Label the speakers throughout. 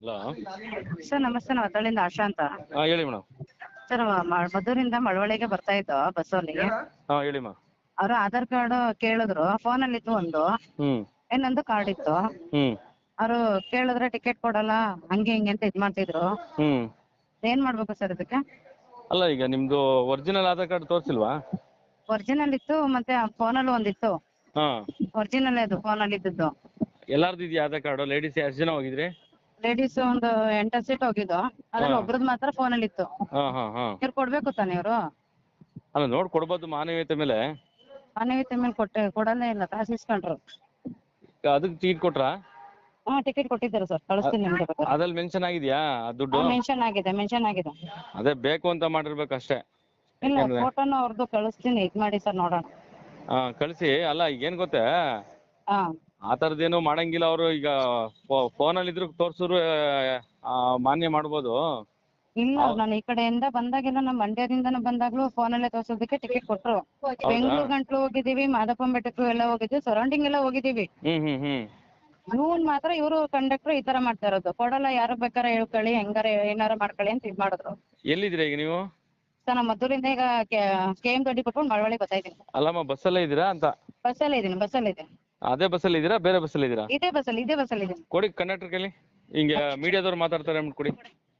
Speaker 1: Hello.
Speaker 2: Sir ನಮಸ್ತೆ, ನಾವು ಹತ್ತಳ್ಳಿಯಿಂದ ಆಶಾ ಅಂತ.
Speaker 1: ಹೇಳಿ ಮೇಡಮ್.
Speaker 2: ಸರ್ ಮದ್ದೂರಿಂದ ಮಳವಳ್ಳಿಗೆ ಬರ್ತಾ ಇದ್ದೋ ಬಸ್ಸಲ್ಲಿ.
Speaker 1: ಹೇಳಿ ಮಾ.
Speaker 2: ಅವರು ಆಧಾರ್ ಕಾರ್ಡ್ ಕೇಳಿದ್ರು, ಫೋನಲ್ಲಿ ಇತ್ತು ಒಂದು, ಇನ್ನೊಂದು ಕಾರ್ಡ್ ಇತ್ತು. ಅವರು ಕೇಳಿದ್ರೆ ಟಿಕೆಟ್ ಕೊಡಲ್ಲ ಹಂಗೆ ಹಿಂಗೆ ಅಂತ ಇದ್ ಮಾಡ್ತಿದ್ರು. ಏನ್ ಮಾಡ್ಬೇಕು ಸರ್ ಇದಕ್ಕೆ?
Speaker 1: ಅಲ್ಲ, ಈಗ ನಿಮ್ದು ಒರಿಜಿನಲ್ ಆಧಾರ್ ಕಾರ್ಡ್ ತೋರಿಸಿಲ್ವಾ?
Speaker 2: ಒರಿಜಿನಲ್ ಇತ್ತು, ಮತ್ತೆ ಫೋನಲ್ಲಿ ಒಂದಿತ್ತು. ಒರಿಜಿನಲ್ ಅದು ಫೋನಲ್ಲಿ ಇದ್ದದ್ದು.
Speaker 1: ಎಲ್ಲಾರ್ದು ಇದೆಯಾ ಆಧಾರ್ ಕಾರ್ಡ್? ಲೇಡೀಸ್ ಎಷ್ಟು ಜನ ಹೋಗಿದ್ರಿ?
Speaker 2: ಲೇಡೀಸ್ ಒಂದು 8 ಸೀಟ್ ಹೋಗಿದ್ದು, ಅದ್ರಲ್ಲಿ ಒಬ್ರದ್ದು ಮಾತ್ರ ಫೋನಲ್ಲಿ ಇತ್ತು. ಇವ್ರು ಕೊಡ್ಬೇಕು ತಾನೆ ಇವರು?
Speaker 1: ಅಲ್ಲ, ನೋಡ್ ಕೊಡ್ಬೋದು ಮಾನವೀಯತೆ ಮೇಲೆ.
Speaker 2: ಮಾನವೀಯತೆ ಮೇಲೆ ಕೊಡಲ್ಲೇ ಇಲ್ಲ, ಕಾಸು ಇಸ್ಕೊಂಡ್ರು.
Speaker 1: ಅದಕ್ಕೆ ಟಿಕೆಟ್ ಕೊಟ್ರಾ?
Speaker 2: ಟಿಕೆಟ್ ಕೊಟ್ಟಿದ್ದಾರೆ ಸರ್, ಕಳಿಸ್ತೀನಿ ನಿಮ್ಗೆ.
Speaker 1: ಅದ್ರಲ್ಲಿ ಮೆನ್ಷನ್ ಆಗಿದ್ಯಾ ದುಡ್ಡು?
Speaker 2: ಮೆನ್ಷನ್ ಆಗಿದೆ.
Speaker 1: ಅದೇ ಬೇಕು ಅಂತ ಮಾಡಿರ್ಬೇಕು ಅಷ್ಟೇ.
Speaker 2: ಇಲ್ಲ, ಫೋಟೋನು ಅವ್ರದ್ದು ಕಳಿಸ್ತೀನಿ, ಇದ್ ಮಾಡಿ ಸರ್, ನೋಡೋಣ.
Speaker 1: ಕಳಿಸಿ. ಅಲ್ಲ, ಈಗ ಏನ್ ಗೊತ್ತಾ,
Speaker 2: ಹಾ
Speaker 1: ಆ ಥರದ್ದೇನು ಮಾಡಂಗಿಲ್ಲ ಅವರು. ಈಗ ಫೋನಲ್ಲಿ ಇದ್ರು ತೋರ್ಸಿದ್ರು ಮಾನ್ಯ ಮಾಡ್ಬೋದು.
Speaker 2: ಇಲ್ಲ, ನಾನು ಈ ಕಡೆಯಿಂದ ಬಂದಾಗೆಲ್ಲ, ನಮ್ಮ ಮಂಡ್ಯದಿಂದನೂ ಬಂದಾಗ್ಲೂ ಫೋನಲ್ಲೇ ತೋರ್ಸೋದಕ್ಕೆ ಟಿಕೆಟ್ ಕೊಟ್ರು. ಬೆಂಗಳೂರು ಗಂಟ್ಲು ಹೋಗಿದೀವಿ, ಮಾದಪ್ಪನ ಬೆಟ್ಟಕ್ಕೂ ಎಲ್ಲ ಹೋಗಿದ್ವಿ, ಸರೌಂಡಿಂಗ್ ಎಲ್ಲ ಹೋಗಿದೀವಿ. ಇವನ್ ಮಾತ್ರ ಇವರು ಕಂಡಕ್ಟರ್ ಈ ತರ ಮಾಡ್ತಾ ಇರೋದು. ಕೊಡಲ್ಲ, ಯಾರು ಬೇಕಾರೆ ಹೇಳ್ಕೊಳ್ಳಿ, ಹೆಂಗಾರ ಏನಾರ ಮಾಡ್ಕೊಳ್ಳಿ ಅಂತ ಇದ್ ಮಾಡಿದ್ರು.
Speaker 1: ಎಲ್ಲಿದ್ದೀರಾ ಈಗ ನೀವು?
Speaker 2: ಸರ್, ನಮ್ಮ ಮದ್ದೂರಿಂದ ಈಗ KM ದೊಡ್ಡಿ ಕೊಟ್ಕೊಂಡು ಮಳವಳ್ಳಿ ಬರ್ತಾ ಇದ್ದೀನಿ.
Speaker 1: ಅಲ್ಲಮ್ಮ, ಬಸ್ಸಲ್ಲೇ ಇದ್ದೀರಾ ಅಂತ?
Speaker 2: ಬಸ್ಸಲ್ಲೇ ಇದ್ದೀನಿ.
Speaker 1: ಅದೇ ಬಸ್ಸಲ್ಲಿ ಇದ್ದೀರಾ, ಬೇರೆ ಬಸ್ಸಲ್ಲಿ ಇದ್ದೀರಾ?
Speaker 2: ಇದೇ ಬಸ್ಸಲ್ಲಿ ಇದ್ದೀನಿ.
Speaker 1: ಕೊಡಿ ಕಂಡಕ್ಟರ್ ಕೈಲಿ. ಹಿಂಗೆ ಮೀಡಿಯಾದವ್ರು ಮಾತಾಡ್ತಾರೆ ಅಂದ್ಬಿಟ್ಟು ಕೊಡಿ.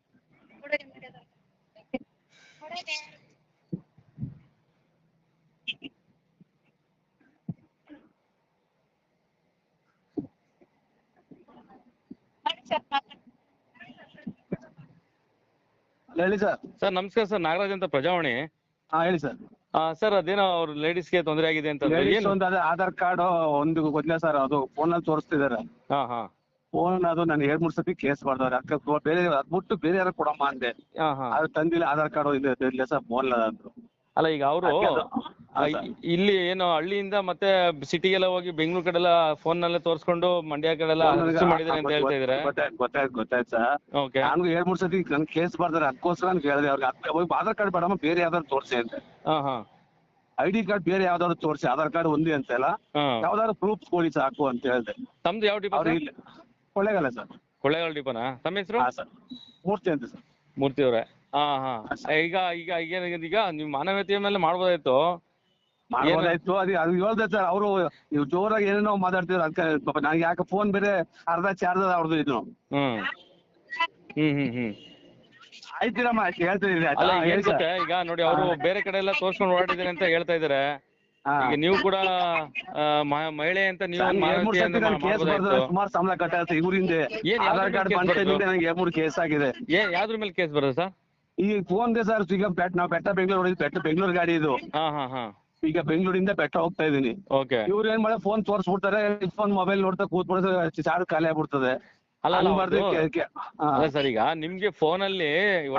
Speaker 3: ಹೇಳಿ ಸರ್.
Speaker 1: ಸರ್ ನಮಸ್ಕಾರ ಸರ್, ನಾಗರಾಜ್ ಅಂತ, ಪ್ರಜಾವಾಣಿ.
Speaker 3: ಹೇಳಿ ಸರ್.
Speaker 1: ಸರ್, ಅದೇನೋ ಅವ್ರ ಲೇಡೀಸ್ಗೆ ತೊಂದರೆ ಆಗಿದೆ ಅಂತ.
Speaker 3: ಒಂದು ಅದೇ ಆಧಾರ್ ಕಾರ್ಡ್ ಒಂದು ಗೊತ್ತಿಲ್ಲ ಸರ್, ಅದು ಫೋನಲ್ಲಿ ತೋರಿಸ್ತಿದ್ದಾರೆ. ಫೋನ್ ಅದು ನಾನು 2-3 ಸತಿ ಕೇಸ್ ಮಾಡ್ದವ್ರೆ. ಅಕ್ಕ ಬೇರೆ ಅದ್ಬಿಟ್ಟು ಬೇರೆ ಯಾರು ಕೊಡಮ್ಮ ಅಂದೆ. ಅದು ತಂದಿಲ್ಲ, ಆಧಾರ್ ಕಾರ್ಡ್ ಇಲ್ಲ ಸರ್, ಫೋನ್ ಅಂದ್ರು.
Speaker 1: ಅಲ್ಲ, ಈಗ ಅವರು ಇಲ್ಲಿ ಏನು ಹಳ್ಳಿಯಿಂದ ಮತ್ತೆ ಸಿಟಿಗೆಲ್ಲ ಹೋಗಿ ಬೆಂಗಳೂರು ಕಡೆ ಎಲ್ಲ ಫೋನ್ ನಲ್ಲೇ ತೋರಿಸ್ಕೊಂಡು ಮಂಡ್ಯ ಕಡೆ ಎಲ್ಲ ಮಾಡಿದಾರೆ ಅಂತ ಹೇಳ್ತಾ ಇದಾರೆ.
Speaker 3: ಗೊತ್ತಾಯ್ತು ಸರ್. ನಾನು 2-3 ಸತಿ ನನ್ ಕೇಸ್ ಬರ್ದಾರೆ, ಅದಕ್ಕೋಸ್ಕರ ನಾನು ಕೇಳಿದೆ ಅವ್ರಿಗೆ ಆಧಾರ್ ಕಾರ್ಡ್ ಬೇಡಮ್ಮ, ಬೇರೆ ಯಾವ್ದಾದ್ರು ತೋರಿಸಿ ಅಂತ. ID ಕಾರ್ಡ್ ಬೇರೆ ಯಾವ್ದಾದ್ರು ತೋರಿಸಿ, ಆಧಾರ್ ಕಾರ್ಡ್ ಒಂದೇ ಅಂತ ಇಲ್ಲ, ಯಾವ್ದಾದ್ರು ಪ್ರೂಫ್ ಕೊಡಿ ಸಾಕು ಅಂತ ಹೇಳಿದೆ.
Speaker 1: ತಮ್ದು ಯಾವ ಡಿಪೋ?
Speaker 3: ಕೊಳ್ಳೇಗಾಲ ಸರ್.
Speaker 1: ಕೊಳ್ಳೇಗಾಲ ಡಿಪೋನಾ? ತಮ್ಮ ಹೆಸರು?
Speaker 3: ಸರ್, ಮೂರ್ತಿ ಅಂತ ಸರ್.
Speaker 1: ಮೂರ್ತಿ ಅವರೇ. ಈಗ ನೀವು ಮಾನವೀಯತೆಯ ಮೇಲೆ ಮಾಡ್ಬೋದಾಯ್ತು.
Speaker 3: ಅದು ಹೇಳ್ದೆ ಸರ್. ಅವರು ನೀವು ಜೋರಾಗಿ ಏನೇನೋ ಮಾತಾಡ್ತಿದ್ರು, ಅದಕ್ಕೆ ನನಗೆ ಯಾಕೆ ಫೋನ್ ಬೇರೆ ಅರ್ಧ ಚಾರ್ಜ್ ಅವ್ರದ್ದು ಇದು. ಆಯ್ತಿರಮ್ಮ, ಹೇಳ್ತೀನಿ.
Speaker 1: ಈಗ ನೋಡಿ, ಅವರು ಬೇರೆ ಕಡೆ ಎಲ್ಲ ತೋರ್ಸ್ಕೊಂಡು ಓಡಾಡಿದಾರೆ ಅಂತ ಹೇಳ್ತಾ ಇದಾರೆ. ಈಗ ನೀವು ಕೂಡ ಮಹಿಳೆ ಅಂತ ನೀವು
Speaker 3: ಸುಮಾರು ಸಂಬಳ ಕಟ್ಟಾಯ್ತು ಇವರಿಂದ. ಆಧಾರ್ ಕಾರ್ಡ್ ಬಂದ ನನಗೆ 2-3 ಕೇಸ್ ಆಗಿದೆ.
Speaker 1: ಯಾವ್ದ್ರ ಮೇಲೆ ಕೇಸ್ ಬರೋದು ಸರ್?
Speaker 3: ಈ ಫೋನ್ಗೆ ಸರ್. ಈಗ ನಾವು ಬೆಟ್ಟ ಬೆಂಗಳೂರು ಹೊಡಿದ್ವಿ, ಬೆಂಗಳೂರು ಗಾಡಿ ಇದು. ಈಗ ಬೆಂಗಳೂರಿಂದ ಬೆಟ್ಟ ಹೋಗ್ತಾ ಇದೀನಿ. ಇವ್ರು ಏನ್ ಮಾಡಿ ಫೋನ್ ತೋರಿಸ್ಬಿಡ್ತಾರೆ, ಫೋನ್ ಮೊಬೈಲ್ ನೋಡ್ತಾ ಕೂತ್ಬಿಡ್ತಾರೆ, ಚಾರ್ಜ್ ಖಾಲಿ ಆಗ್ಬಿಡ್ತದೆ.
Speaker 1: ಅಲ್ಲ ಸರ್, ಈಗ ನಿಮ್ಗೆ ಫೋನಲ್ಲಿ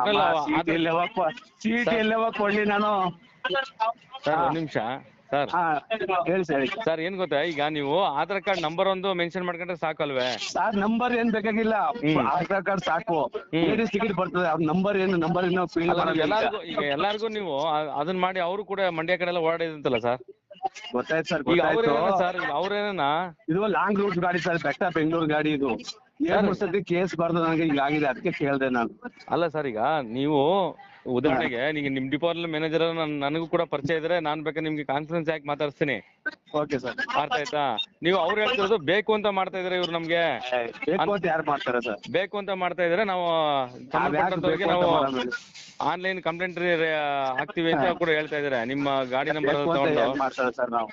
Speaker 3: ಚೀಟಿ ಎಲ್ಲವ ಕೊಡ್ಲಿ ನಾನು?
Speaker 1: ಒಂದ್ ನಿಮಿಷ ಸರ್.
Speaker 3: ಹೇಳಿ ಸರ್.
Speaker 1: ಸರ್, ಏನ್ ಗೊತ್ತಾ, ಈಗ ನೀವು ಆಧಾರ್ ಕಾರ್ಡ್ ನಂಬರ್ ಒಂದು ಮೆನ್ಷನ್ ಮಾಡ್ಕೊಂಡ್ರೆ ಸಾಕಲ್ವೇ?
Speaker 3: ಸರ್, ನಂಬರ್ ಏನ್ ಬೇಕಾಗಿಲ್ಲ, ಆಧಾರ್ ಕಾರ್ಡ್ ಸಾಕು. ಲೇಡೀಸ್ ಟಿಕೆಟ್ ಬರ್ತದೆ, ನಂಬರ್
Speaker 1: ಈಗ ಎಲ್ಲಾರ್ಗು ನೀವು ಅದನ್ನ ಮಾಡಿ ಅವರು ಕೂಡ ಮಂಡ್ಯ ಕಡೆ ಎಲ್ಲ ಓಡಾಡಿದಂತಲ್ಲ ಸರ್?
Speaker 3: ಗೊತ್ತಾಯ್ತು ಸರ್.
Speaker 1: ಸರ್, ಅವ್ರೇನ
Speaker 3: ಇದು ಲಾಂಗ್ ರೂಟ್ ಗಾಡಿ ಸರ್, ಬೆಟ್ಟ ಬೆಂಗಳೂರು ಗಾಡಿ ಇದು. 2-3 ಸತಿ ಕೇಸ್ ಬರ್ದು ನನಗೆ ಈಗ ಆಗಿದೆ, ಅದಕ್ಕೆ ಕೇಳ್ದೆ ನಾನು.
Speaker 1: ಅಲ್ಲ ಸರ್, ಈಗ ನೀವು ಉದಾಹರಣೆಗೆ ನೀವು ನಿಮ್ ಡಿಪಾರ್ಟ್ಮೆಂಟ್ ಮ್ಯಾನೇಜರ್ ನನಗೂ ಕೂಡ ಪರಿಚಯ ಇದ್ರೆ ನಾನ್ ಬೇಕಾದ್ರೆ ನಿಮ್ಗೆ ಕಾನ್ಫರೆನ್ಸ್ ಹಾಕಿ ಮಾತಾಡ್ತೀನಿ.
Speaker 3: Okay sir.
Speaker 1: ಅರ್ಥ ಆಯ್ತಾ? ನೀವು ಅವ್ರು ಹೇಳ್ತಿರೋದು ಬೇಕು ಅಂತ ಮಾಡ್ತಾ ಇದಾರೆ, ಇವ್ರು ನಮ್ಗೆ
Speaker 3: ಯಾರು ಮಾಡ್ತಾರೆ ಸರ್?
Speaker 1: ಬೇಕು ಅಂತ ಮಾಡ್ತಾ ಇದಾರೆ. ನಾವು ಸಂಬಂಧಪಟ್ಟಂತವ್ರಿಗೆ ನಾವು ಆನ್ಲೈನ್ ಕಂಪ್ಲೇಂಟ್ ಹಾಕ್ತಿವಿ ಅಂತ ಕೂಡ ಹೇಳ್ತಾ ಇದಾರೆ. ನಿಮ್ಮ ಗಾಡಿ ನಂಬರ್ ತಗೊಂಡು.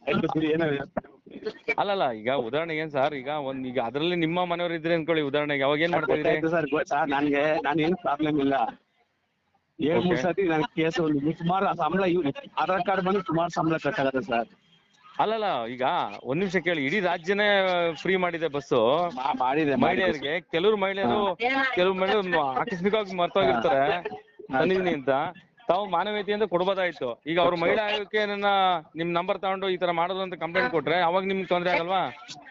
Speaker 1: ಅಲ್ಲಲ್ಲ, ಈಗ ಉದಾಹರಣೆಗೆ ಏನ್ ಸರ್, ಈಗ ಅದ್ರಲ್ಲಿ ನಿಮ್ಮ ಮನೆಯವ್ರು ಇದ್ರೆ ಅನ್ಕೊಳ್ಳಿ, ಉದಾಹರಣೆಗೆ ಅವಾಗ ಏನ್ ಮಾಡ್ತಾ ಇದ್ರಿ?
Speaker 3: ನಾನು ಏನು ಪ್ರಾಬ್ಲಮ್ ಇಲ್ಲ. 2-3 ಸತಿ ನನ್ ಕೇಸ್ ಸುಮಾರು ಸಂಬಳ, ಆಧಾರ್ ಕಾರ್ಡ್ ಬಂದು ಸುಮಾರು ಸಂಬಳ ಕಟ್ಟಾಗತ್ತೆ ಸರ್.
Speaker 1: ಅಲ್ಲಲ್ಲ, ಈಗ ಒಂದ್ ನಿಮಿಷ ಕೇಳಿ. ಇಡೀ ರಾಜ್ಯನೇ ಫ್ರೀ ಮಾಡಿದೆ ಬಸ್ಸು ಮಹಿಳೆಯರಿಗೆ. ಕೆಲವು ಮಹಿಳೆಯರು ಆಕಸ್ಮಿಕವಾಗಿ ಮರ್ತೋಗಿರ್ತಾರೆ ತಂದಿದ್ದೀನಿ ಅಂತ. ತಾವು ಮಾನವೀಯತೆಯಿಂದ ಕೊಡ್ಬೋದಾಯ್ತು. ಈಗ ಅವ್ರ ಮಹಿಳಾ ಆಯೋಗಕ್ಕೆ ನಿಮ್ ನಂಬರ್ ತಗೊಂಡು ಈ ತರ ಮಾಡೋದು ಅಂತ ಕಂಪ್ಲೇಂಟ್ ಕೊಟ್ರೆ ಅವಾಗ ನಿಮ್ಗೆ ತೊಂದ್ರೆ ಆಗಲ್ವಾ?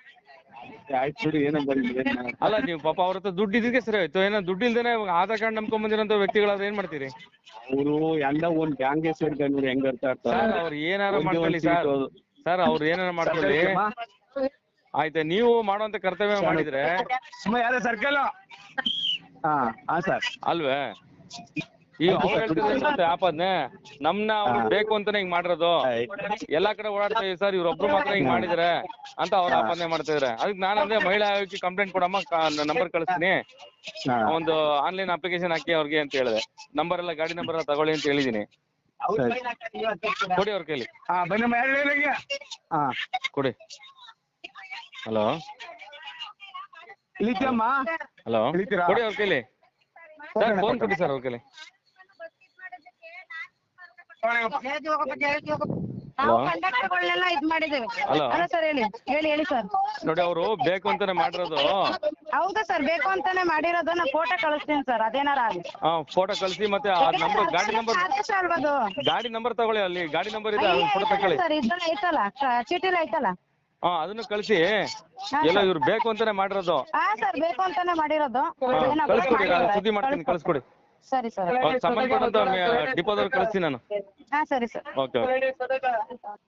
Speaker 1: ಅಲ್ಲ, ನೀವು ಪಾಪ ಅವ್ರ ಹತ್ರ ದುಡ್ಡು ಇದ್ದಕ್ಕೆ ಸರಿ ಆಯ್ತು. ಏನೋ ದುಡ್ಡು ಇಲ್ದೇನೆ ಆಧಾರ್ ಕಾರ್ಡ್ ನಂಬ್ಕೊಂಡ್ ಬಂದಿರೋಂಥ ವ್ಯಕ್ತಿಗಳಾದ್ರೆ ಏನ್ ಮಾಡ್ತೀರಿ?
Speaker 3: ಅವರು ಎಲ್ಲ ಒಂದ್ ಬ್ಯಾಂಕ್ ಹೆಂಗ್
Speaker 1: ಸರ್, ಅವ್ರು ಏನಾರ ಮಾಡ್ಕೊಳ್ಳಿ ಸರ್. ಅವ್ರು ಏನಾರ ಮಾಡ್ಕೊಳ್ಳಿ. ಆಯ್ತಾ ನೀವು ಮಾಡುವಂತ ಕರ್ತವ್ಯ ಮಾಡಿದ್ರೆ
Speaker 3: ಸುಮ್ಮನೆ ಯಾರೇ ಸರ್ಕಲ್ ಹಾ ಸರ್
Speaker 1: ಅಲ್ವೇ ಈಗ ಅವ್ರು ಹೇಳ್ತಿದ್ರೆ ಮತ್ತೆ ಆಪದ್ನೆ ನಮ್ನ ಅವ್ರು ಬೇಕು ಅಂತಾನೆ ಹಿಂಗ್ ಮಾಡಿರೋದು ಎಲ್ಲಾ ಕಡೆ ಓಡಾಡ್ತಾ ಇದೀವಿ ಸರ್ ಇವ್ರೊಬ್ರು ಮಾತ್ರ ಹಿಂಗ್ ಮಾಡಿದಾರೆ ಅಂತ ಅವ್ರ ಆಪಾದನೆ ಮಾಡ್ತಿದಾರೆ. ಅದಕ್ಕೆ ನಾನಂದ್ರೆ ಮಹಿಳಾ ಆಯೋಗಕ್ಕೆ ಕಂಪ್ಲೇಂಟ್ ಕೊಡಮ್ಮ, ನಂಬರ್ ಕಳಿಸ್ತೀನಿ, ಒಂದು ಆನ್ಲೈನ್ ಅಪ್ಲಿಕೇಶನ್ ಹಾಕಿ ಅವ್ರಿಗೆ ಅಂತ ಹೇಳಿದೆ. ನಂಬರ್ ಎಲ್ಲ ಗಾಡಿ ನಂಬರ್ ಎಲ್ಲ ತಗೊಳ್ಳಿ ಅಂತ ಹೇಳಿದೀನಿ. ಕೊಡಿ ಅವ್ರ ಕೈಲಿ. ಕೊಡಿ. ಹಲೋ ಹಲೋ ಕೊಡಿ ಅವ್ರ ಕೈಲಿ ಸರ್, ಫೋನ್ ಕೊಡಿ ಸರ್ ಅವ್ರ ಕೈಲಿ.
Speaker 2: ನಾವು ಕಂಡಕ್ಟರ್ಗಳನ್ನೆಲ್ಲ ಇದ್ ಮಾಡಿದ್ದೇವೆ.
Speaker 1: ಹಲೋ
Speaker 2: ಸರ್ ಹೇಳಿ ಹೇಳಿ ಸರ್.
Speaker 1: ನೋಡಿ ಅವರು ಬೇಕು ಅಂತಾನೆ ಮಾಡಿರೋದು.
Speaker 2: ಹೌದಾ ಸರ್, ಬೇಕು ಅಂತಾನೆ ಮಾಡಿರೋದು. ನಾ ಫೋಟೋ ಕಳಿಸ್ತೀನಿ ಸರ್, ಅದೇನಾರ ಆಗಲಿ.
Speaker 1: ಫೋಟೋ ಕಳಿಸಿ, ಮತ್ತೆ ಆ ನಂಬರ್ ಗಾಡಿ ನಂಬರ್
Speaker 2: ಆದೇಶ ಅಲ್ವಾ ಅದು?
Speaker 1: ಗಾಡಿ ನಂಬರ್ ತಗೊಳ್ಳಿ, ಅಲ್ಲಿ ಗಾಡಿ ನಂಬರ್ ಇದೆ, ಫೋಟೋ ತಗೊಳ್ಳಿ
Speaker 2: ಸರ್. ಇದನ್ನ ಐತಲ್ಲ, ಚೀಟಿಲಿ ಐತಲ್ಲ,
Speaker 1: ಅದನ್ನು ಕಳಿಸಿ. ಎಲ್ಲ ಇವ್ರು ಬೇಕು ಅಂತಾನೆ ಮಾಡಿರೋದು.
Speaker 2: ಹಾ ಸರ್, ಬೇಕು ಅಂತಾನೆ ಮಾಡಿರೋದು.
Speaker 1: ಕಳಿಸ್ಕೊಡಿ, ಸುದ್ದಿ ಮಾಡ್ತೀನಿ, ಕಳಿಸ್ಕೊಡಿ.
Speaker 2: ಸರಿ ಸರ್,
Speaker 1: ಸಂಬಂಧಪಟ್ಟಂತ ಡಿಪೋದವ್ರು ಕಳಿಸ್ತೀನಿ ನಾನು.
Speaker 2: ಹಾ ಸರಿ ಸರ್.
Speaker 1: ಓಕೆ.